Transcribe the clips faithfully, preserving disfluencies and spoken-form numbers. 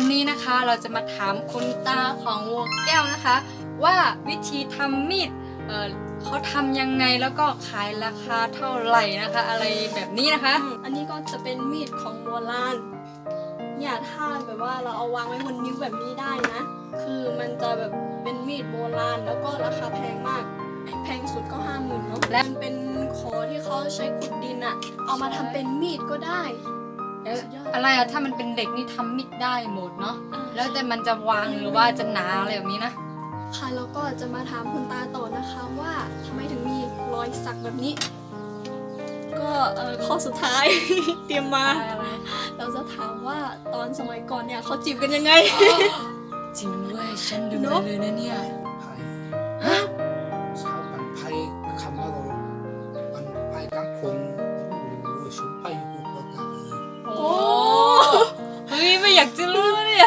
นี้นะคะเราจะมาถามคุณตาของวัวแก้วนะคะว่าวิธีทำมีดเออเขาทำยังไงแล้วก็ขายราคาเท่าไหร่นะคะอะไรแบบนี้นะคะอันนี้ก็จะเป็นมีดของโบราณเนี่ยถ้าแบบว่าเราเอาวางไว้บนนิ้วแบบนี้ได้นะคือมันจะแบบเป็นมีดโบราณแล้วก็ราคาแพงมากแพงสุดก็ห้าหมื่นเนาะและมันเป็นขอที่เขาใช้ขุดดินอะเอามาทำเป็นมีดก็ได้อะไรอะถ้ามันเป็นเด็กนี่ทำมีดได้หมดเนาะแล้วแต่มันจะวางหรือว่าจะหนาอะไรแบบนี้นะค่ะแล้วก็จะมาถามคุณตาต่อนะคะว่าทำไมถึงมีรอยสักแบบนี้ก็เออข้อสุดท้าย เตรียมมาเราจะถามว่าตอนสมัยก่อนเนี่ยเขาจีบกันยังไงจริงด้วยฉันดูเลยนะเนี่ยฮะชาวปันไพคำว่าเราปันไพกังพงโอ้ยชุบไปอยู่กับเราเลยโอ้เฮ้ยไม่อยากจะรู้เนี่ย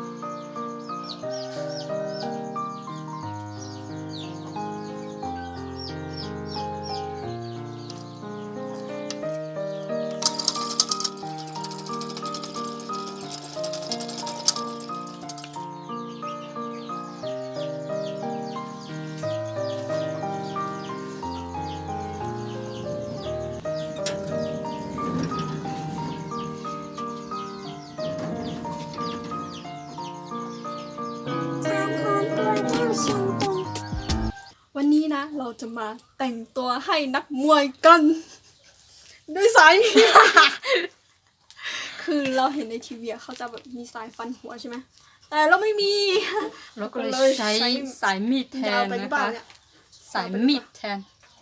วันนี้นะเราจะมาแต่งตัวให้นักมวยกันด้วยสายนี้ คือเราเห็นในทีวีเขาจะแบบมีสายฟันหัวใช่ไหมแต่เราไม่มีเราก็เลยใช้สายมีดแทนนะคะสายมีดแทน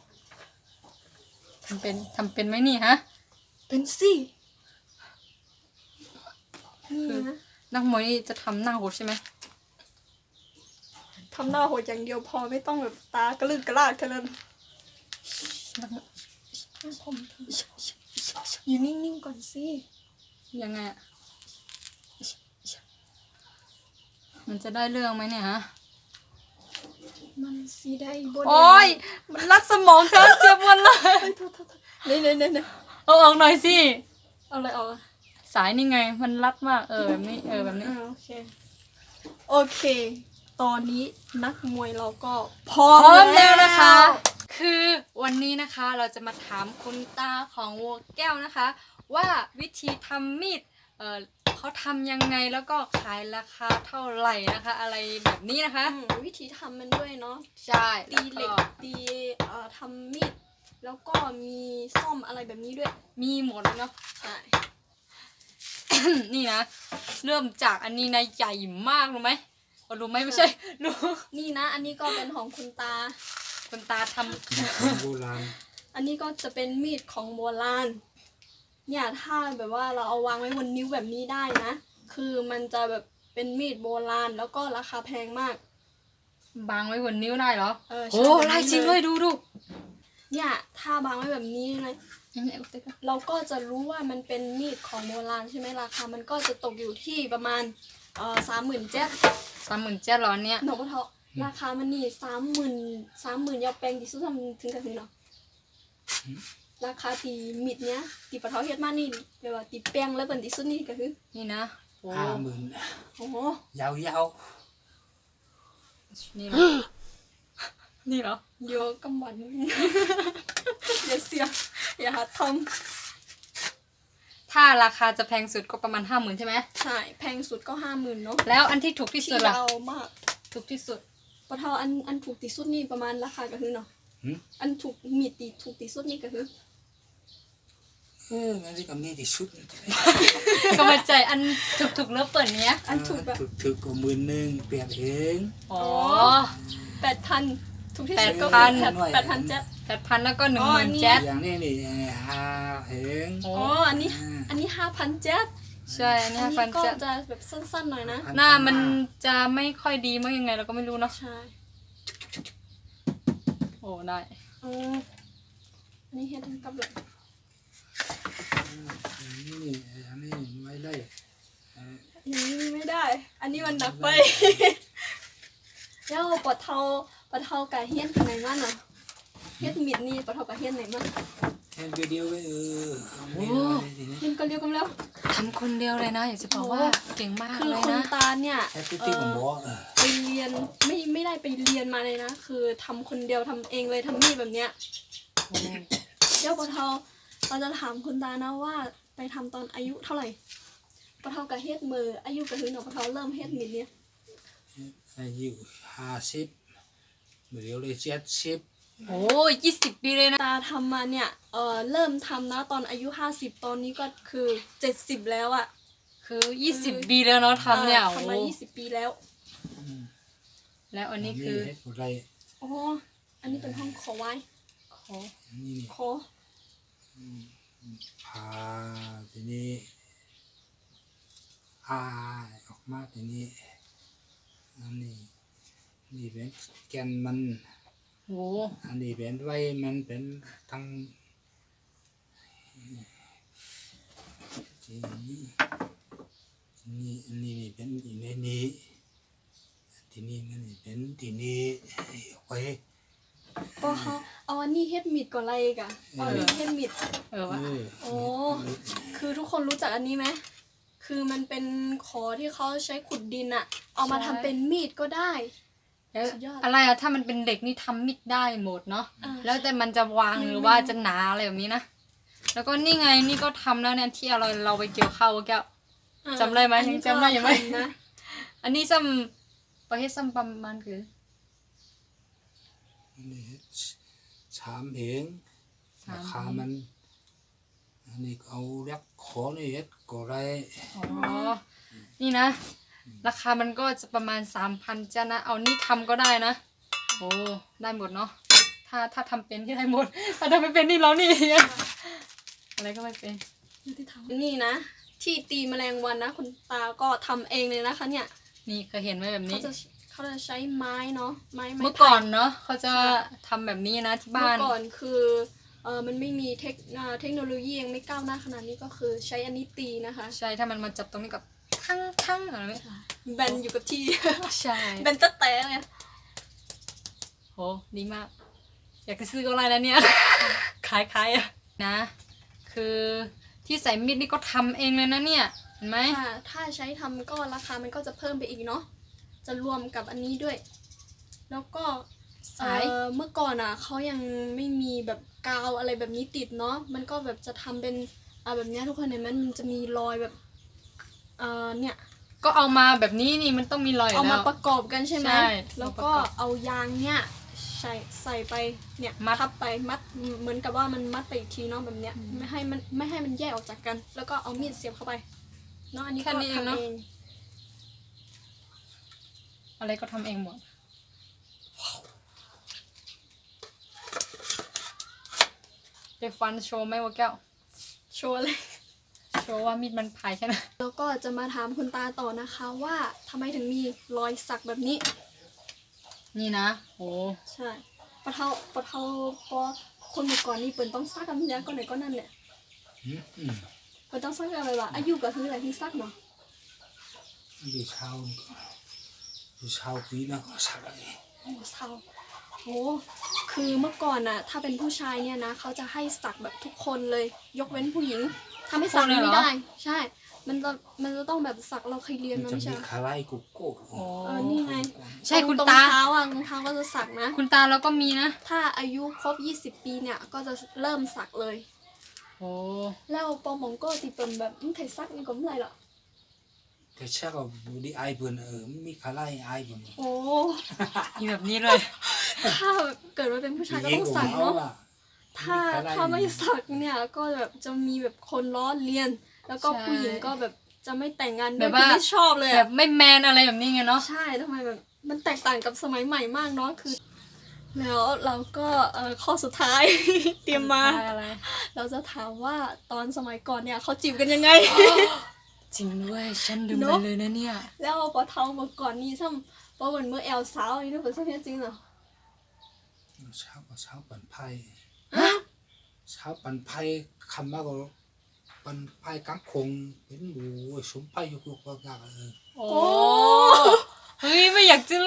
ทำเป็นทำเป็นไหมนี่ฮะเป็นสินี่นะนักมวยนี่จะทำหน้าโหดใช่ไหมทำหน้าโหดอย่างเดียวพอไม่ต้องแบบตากระลึกกระลาดแค่นั้นอยู่นิ่งๆก่อนสิยังไงอะมันจะได้เรื่องไหมเนี่ยฮะมันสีได้บนโอ้ยมันรัดสมองฉันเจ็บหมดเลยเนี่ยเนี่ยเนี่ยเอาออกหน่อยสิเอาอะไรออกสายนี่ไงมันรัดมากเออแบบนี้เออแบบนี้โอเคโอเคตอนนี้นักมวยเราก็พร้อมแล้วนะคะคือวันนี้นะคะเราจะมาถามคุณตาของวัวแก้วนะคะว่าวิธีทำมีดเออเขาทำยังไงแล้วก็ขายราคาเท่าไหร่นะคะอะไรแบบนี้นะคะวิธีทำมันด้วยเนาะใช่ตีเหล็กตีเอ่อทำมีดแล้วก็มีซ่อมอะไรแบบนี้ด้วยมีหมดเนาะใช่นี่นะเริ่มจากอันนี้นะใหญ่มากรู้ไหมรู้ไหมไม่ใช่รู้นี่นะอันนี้ก็เป็นของคุณตาคุณตาทำโบราณอันนี้ก็จะเป็นมีดของโบราณเนี่ยถ้าแบบว่าเราเอาวางไว้บนนิ้วแบบนี้ได้นะคือมันจะแบบเป็นมีดโบราณแล้วก็ราคาแพงมากบางไว้บนนิ้วได้เหรอเออโอ้ลายจริงด้วยดูดูเนี่ยถ้าบางไว้แบบนี้นะเราก็จะรู้ว่ามันเป็นมีดของโบราณใช่ไหมราคามันก็จะตกอยู่ที่ประมาณเอ่อสามหมื่นเจ็ดสามหมื่นเจ็ดร้อยเนี่ยหนูก็เท่าราคามันนี่สามหมื่นสามหมื่นยาแปลงที่สุดทำถึงกันถึงเนาะราคาตีมิดเนี้ยตีปะเทาเฮ็ดมานี่เดี๋ยวว่าตีแป้งแล้วเป็นที่สุดนี่ก็คือนี่นะห้าหมื่นโอ้โหยาวยาวนี่เหรอนี่เหรอเยอะกำวันอย่าเสียอย่าหาทำถ้าราคาจะแพงสุดก็ประมาณห้าหมื่นใช่ไหมใช่แพงสุดก็ห้าหมื่นเนาะแล้วอันที่ถูกที่สุดล่ะเอามากถูกที่สุดปะเทาอันอันถูกที่สุดนี่ประมาณราคาก็คือเนาะอันถูกมีตีถูกที่สุดนี่ก็คือเอออันนี้ก็มีที่สุดก็มาใจอันถูกถูกเลิฟเปิดเนี้ยอันถูกแบบถูกถูกก็หมื่นหนึ่งเปลี่ยนเองอ๋อแปดพันถูกที่สุดก็แปดแปดพันเจ็ดแปดพันแล้วก็หนึ่งหมื่นเจ็ดอย่างนี้นี่ห้าเองอ๋ออันนี้อันนี้ห้าพันเจ็ดใช่อันนี้ห้าพันเจ็ดก็จะแบบสั้นๆหน่อยนะหน้ามันจะไม่ค่อยดีมั้งยังไงเราก็ไม่รู้เนาะใช่โอ้ได้อ๋ออันนี้เฮ็ดกับแบบนี่อันนี้ไม่ได้อันนี้ไม่ได้อันนี้มันหนักไปแล้วปะเทาปะเทาไก่เฮี้ยนทำไมบ้างอ่ะเฮ็ดมิดนี่ปะเทากับเฮ็ดไหนมั้งแค่เดียวๆเลยเออไม่โอ้ได้ทีนี้เฮ็ดก็เรียกกันแล้วทำคนเดียวเลยนะ อยากจะบอกว่าเก่งมากคือเลยคุณนะตาเนี่ยแค่ติ๊กติ๊กผมบอกเออไปเรียนไม่ไม่ได้ไปเรียนมาเลยนะ คือทำคนเดียวทำเองเลยทำมีดแบบเนี้ยโอ้เดี๋ยวปะเทาเราจะถามคุณตานะว่าไปทำตอนอายุเท่าไหร่ปะเทากับเฮ็ดมืออายุกับหืนของปะเทาเริ่มเฮ็ดมิดเนี่ยอายุห้าสิบเดี๋ยวเลยเจ็ดสิบโอ้ยี่สิบปีเลยนะตาทำมาเนี่ยเออเริ่มทำนะตอนอายุห้าสิบตอนนี้ก็คือเจ็ดสิบแล้วอะคือยี่สิบปีแล้วเนาะทำเนี่ยออโอ้ทำมายี่สิบปีแล้วแล้วอันนี้คือเฮ็ดอะไรอ๋ออันนี้เป็นห้องขอไว้ขออันนี้นี่ขอพาทีนี้อายออกมาทีนี้อันนี้นี่เป็นแกนมันโอ้อันนี้เป็นไว้มันเป็นทั้งทีนี้ทีนี้อันนี้นี่เป็นอีในนี้ทีนี้มันนี่เป็นทีนี้เอาไว้ก็เขาเอาอันนี้เฮ็ดมิดก่อนอะไรอีกอะเอาอันนี้เฮ็ดมิดเออวะเออโอ้ คือทุกคนรู้จักอันนี้ไหมคือมันเป็นขอที่เขาใช้ขุดดินอะเอามาทำเป็นมีดก็ได้แล้วสุดยอดอะไรอะถ้ามันเป็นเด็กนี่ทำมิดได้หมดเนาะอ่าแล้วแต่มันจะวางไม่หรือว่าไม่จะหนาอะไรแบบนี้นะ แล้วก็นี่ไงนี่ก็ทำแล้วเนี่ยที่เราเราไปเกี่ยวข้าวแก้วอ่าจำได้ไหมอันนี้ยังจำได้อยู่ไหมก็ทำนะอันนี้ซ้ำประเทศซ้ำประมาณคืออันนี้สามเพลงสามราคามัน อันนี้เอาเรียกขอนี่เฮ็ดก็ได้อ๋อ นี่นะ ราคามันก็จะประมาณสามพันจ้านะ เอานี่ทำก็ได้นะ โอ้ ได้หมดเนาะ ถ้าถ้าทำเป็นที่ได้หมด ถ้าทำไม่เป็นนี่เรานี่ อะไรก็ไม่เป็นนี่นะ ที่ตีแมลงวันนะคุณตาก็ทำเองเลยนะคะเนี่ยนี่เคยเห็นไหมแบบเขานี้จะเขาจะใช้ไม้เนาะไม้ไม้เมื่อก่อนไผ่เนาะเขาจะทำแบบนี้นะที่เมื่บ้าอน ก่อนคือเออมันไม่มีเทคอ่าเทคโนโลยียังไม่ก้าวหน้าขนาดนี้ก็คือใช้อันนี้ตีนะคะใช่ ถ้ามันมาจับตรงนี้กับทั้งทั้งอะไรไหมแบนอยู่กับที่ใช่แบนตะแต่เลยโห ดีมาก อยากจะซื้อก็ไรแล้วเนี่ย ขายขายอะนะ คือที่ใส่มีดนี่ก็ทำเองเลยนะเนี่ย เห็นไหมถ้าถ้าใช้ทำก็ราคามันก็จะเพิ่มไปอีกเนาะจะรวมกับอันนี้ด้วย แล้วก็สายเอ่อเมื่อก่อนอ่ะเขายังไม่มีแบบกาวอะไรแบบนี้ติดเนาะมันก็แบบจะทำเป็นอ่าแบบเนี้ยทุกคนเห็นไหมมันจะมีรอยแบบเอ่อเนี่ยก็เอามาแบบนี้นี่มันต้องมีรอยอยู่เอาแล้มาว ประกอบกันใช่ไหมใช่แล้วก็มาประกอบเอายางเนี่ยใส่ใส่ไปเนี่ยมัดทับไปมัดเหมือนกับว่ามันมัดไปอีกทีเนาะแบบเนี้ยไม่ให้มันไม่ให้มันแยกออกจากกัน แล้วก็เอามีดเสียบเข้าไปเนาะอันนี้ก็แค่นี้เองทำเนอะเองอะไรก็ทำเองหมด เดี๋ยวฟันโชว์ไหมวะแก้วโชว์เลยโชว์ว่ามีดมันพายแค่ไหนแล้วก็จะมาถามคุณตาต่อนะคะว่าทำไมถึงมีรอยสักแบบนี้นี่นะโอ้ใช่ปะเทาปะเทาพอคนเมื่อก่อนนี่เปิ่นต้องซักกันเนี้ยก็ไหนก็นั่นแหละอืมอืมเปิ่นต้องซักอะไรวะอายุก็คืออะไรที่ซักเนาะอยู่เช้าอยู่เช้าปีนะก็สักอะไรโอ้เศร้าโอ้คือเมื่อก่อนน่ะ ถ้าเป็นผู้ชายเนี่ยนะเขาจะให้สักแบบทุกคนเลย ยกเว้นผู้หญิงถ้าไม่สักไม่ได้ ใช่ มันจะมันจะต้องแบบสักเราเคยเรียนมันมาจะไม่ใช่มีเหรอคาไลกุกโก้โอ้เออนี่ไงใช่คุณตรงตาเท้าอ่ะรองเท้าก็จะสักนะคุณตาเราก็มีนะถ้าอายุครบยี่สิบปีเนี่ยก็จะเริ่มสักเลยโอ้แล้วปอมองก็ติเป็นแบบไม่เคยซักนี่ก็ไม่ไรหรอกแต่เช้าก็บูดีไอเบิ่นเออมีคาไลไอเบิ่นโอ้มีแบบนี้เลยถ้าเกิดว่าเป็นผู้ชายก็ต้องสักเนาะถ้าถ้าไม่สักเนี่ยก็แบบจะมีแบบคนล้อเลียน แล้วก็ใช่ผู้หญิงก็แบบจะไม่แต่งงานด้แบวยบคือว่าไม่ชอบเลยแบอะบไม่แมนอะไรแบบนี้ไงเนาะใช่ทำไมแบบมันแตกต่างกับสมัยใหม่มากเนาะคือ แล้วเราก็เอ่อข้อสุดท้าย เตรียมมาอะไรเราจะถามว่าตอนสมัยก่อนเนี่ยเขาจีบกันยังไงจริงด้วยฉันลืมเนไปอะเลยนะเนี่ยแล้วพอเท่าเมื่อก่อนนี่ซ้ำพอเหมือนเมื่อแอลสาวนี่นึกเป็นสักจริงเหรอเช้าก็เช้าปั่นไพ่เช้าปั่นไพ่คำว่าก็ปั่นไพ่กังคงเป็นบูสมไพ่ยุกยุกกากเออโอ้เฮ้ยไม่อยากจะรู้เนี่ย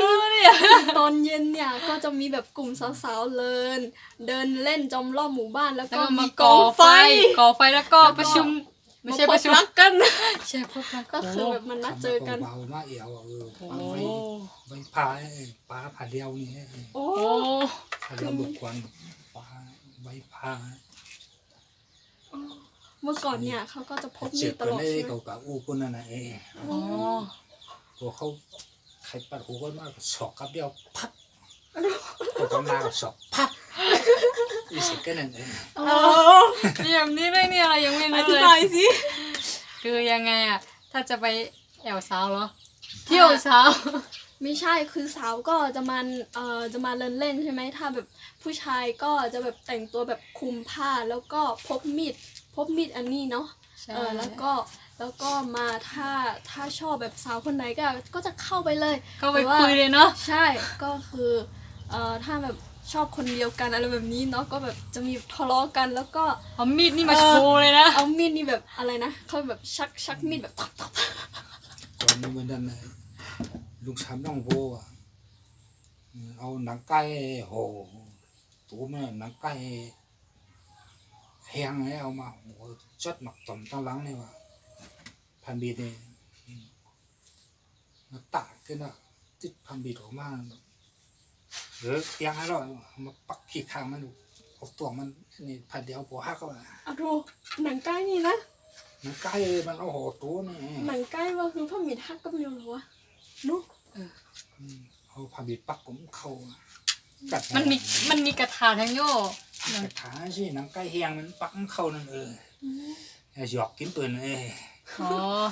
อะตอนเย็นเนี่ยก็จะมีแบบกลุ่มสาวๆเลินเดินเล่นจอมรอบหมู่บ้านแล้วแล้วก็ก็มีมาก ก่อองไฟไฟก่อไฟแล้วก็แล้วก็ประชุมไม่ใช่าประชุมพบรักกันใช่พบรักก็คือแบบมันนัดเจอกันเบาๆมาเอวเออโอ้ปลาไว้ไว้พาปลาผาเดียวนี่โอ้โอ้ผาเดียวบุกวันปลาไว้พาเมื่อก่อนเนี่ยเขาก็จะพกมีเจ็ดบตกันลอดได้ใช่ไหมเขากับอู้คนนั่นน่ะเองอ๋อพอเขาใครปัดหูกันมากสอกกับเดียวพับพอต้องมาสอกพับอีสิกันนั่นเองอ๋อ๋ออมีแบบนี้ด้วยเนี่ยเรายังไม่อรู้ธิเลยบายสิคือยังไงอะถ้าจะไปแอวสาวเหรอเที่ยวสาวไม่ใช่คือสาวก็จะมาเอ่อจะมาเล่นเล่นใช่ไหมถ้าแบบผู้ชายก็จะแบบแต่งตัวแบบคลุมผ้าแล้วก็พกมีดพกมีดอันนี้เนาะใช่เออแล้วก็แล้วก็มาถ้าถ้าชอบแบบสาวคนไหนก็ก็จะเข้าไปเลยก็ไปแต่ว่าคุยเลยเนาะใช่ก็คือเอ่อถ้าแบบชอบคนเดียวกันอะไรแบบนี้เนาะก็แบบจะมีทะเลาะกันแล้วก็เอามีดนี่มาโชว์เลยนะเอามีดนี่แบบอะไรนะเขาแบบชักชักมีดแบบทับทับก่อนนี้มันนั่นเลยลูกชายน้องโบอ่ะเอาหนังไก่โหตัวมันหนังไก่แห้งเลยเอามาโหจัดหมักต่อมตั้งหลังเลยว่ะพันบีดเนี่ยมาตากขึ้นอ่ะติดพันบีดออกมาหรือเตียงให้เรามาปักขี้ข้างมันเอาตัวมันนี่พันเดียวพอหักก็เอาดูหนังใกล้นี่นะหนังไก่มันเอาโหตัวนี่หนังใกล้ว่าคือพ่อหมีทักก็ไม่รู้หรอวะนุ๊กเอาพันบีดปักผมเข้ากัดมันมีมันมีกระถาทั้งโย่กระถาสิหนังไก่แห้งมันปักเข้านั่นเออหยอกกินปืนเอ้อ๋อ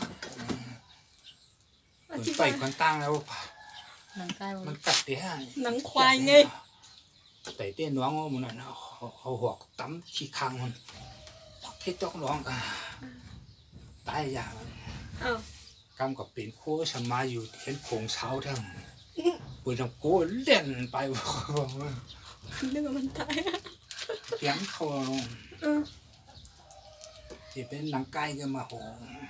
อปืนธิไปบายคนตั้งแล้วหนังใกล้มันกัดเตี้ยหนังควายไงแต่เตี้ยน้องมันน่ะเอาเอาหัวตั้มขี้คางมันปักที่จอกน้องอ่ะตายอย่างอ้าวกำกับเป็นโค้ชมาอยู่เห็นโขงเช้าทั้งปืนทำโก้เล่นไปนึกว่ามันตายเสียงเขาเออที่เป็นหนังไก่ก็มาโห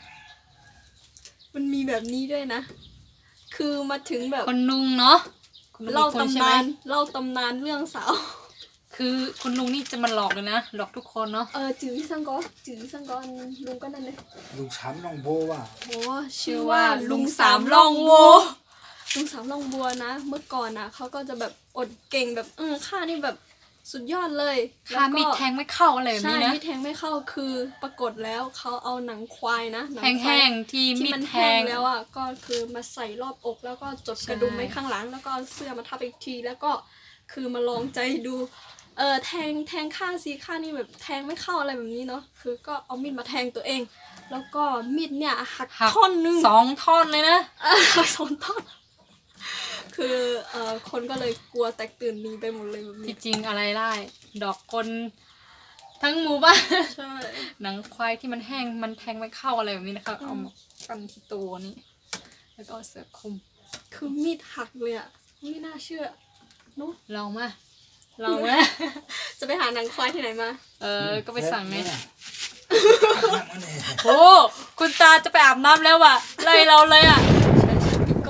มันมีแบบนี้ด้วยนะ คือมาถึงแบบคนนุงเนาะคุณลุงเล่าอีกคนใช่ตำไหมนานเล่าตำนานเรื่องสาวคือคุณลุงนี่จะมาหลอกเลยนะหลอกทุกคนเนาะเออจื้อสังกอจื้อสังกอลุงก็นั่นเลยลูกช้ำน้องโบว่าโอ้ชื่ชื่ออว่าว่าลุลุงงสาสาม มล่ล่ออง งโวบัวลุงสามล่องบัวนะ เมื่อก่อนนะเขาก็จะแบบอดเก่งแบบเออข้านี่แบบสุดยอดเลยค่ามีดแทงไม่เข้าอะไรแบบใช่นี้นะมีดแทงไม่เข้าคือปรากฏแล้วเขาเอาหนังควายนะหนัแห้ควายงๆที่ที่มีมัดนแทแห้งงแล้วอ่ะก็คือมาใส่รอบอกแล้วก็จดใช่กระดุมไว้ข้างหลัง แล้วก็เอาเสื้อมาทับอีกที แล้วก็คือมาลองใจดูเออแทงแทงข้างซีข้างนี่แบบแทงไม่เข้าอะไรแบบนี้เนาะคือก็เอามีดมาแทงตัวเอง แล้วก็มีดเนี่ยหักหักท่อนหนึงสองท่อนเลยนะเออหักสองท่อนคือเอ่อคนก็เลยกลัวแตกตื่นหนีไปหมดเลยแบบนี้ที่จริงอะไรได้ ดอกคนทั้งหมู่บ้านใช่หนังควายที่มันแห้งมันแทงไม่เข้าอะไรแบบนี้นะคะเอามาปั้นที่ตัวนี้ แล้วก็เอาเสือคลุมคือมีดหักเลยอ่ะไม่น่าเชื่อเนอะลองมาลองมาจะไปหาหนังควายที่ไหนมาเออก็ไปสั่งไงเนี่ยโอ้คุณตาจะไปอาบน้ำแล้วว่ะไล่เราเลยอ่ะก็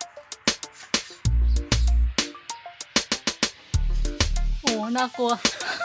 โอ้น่ากลัว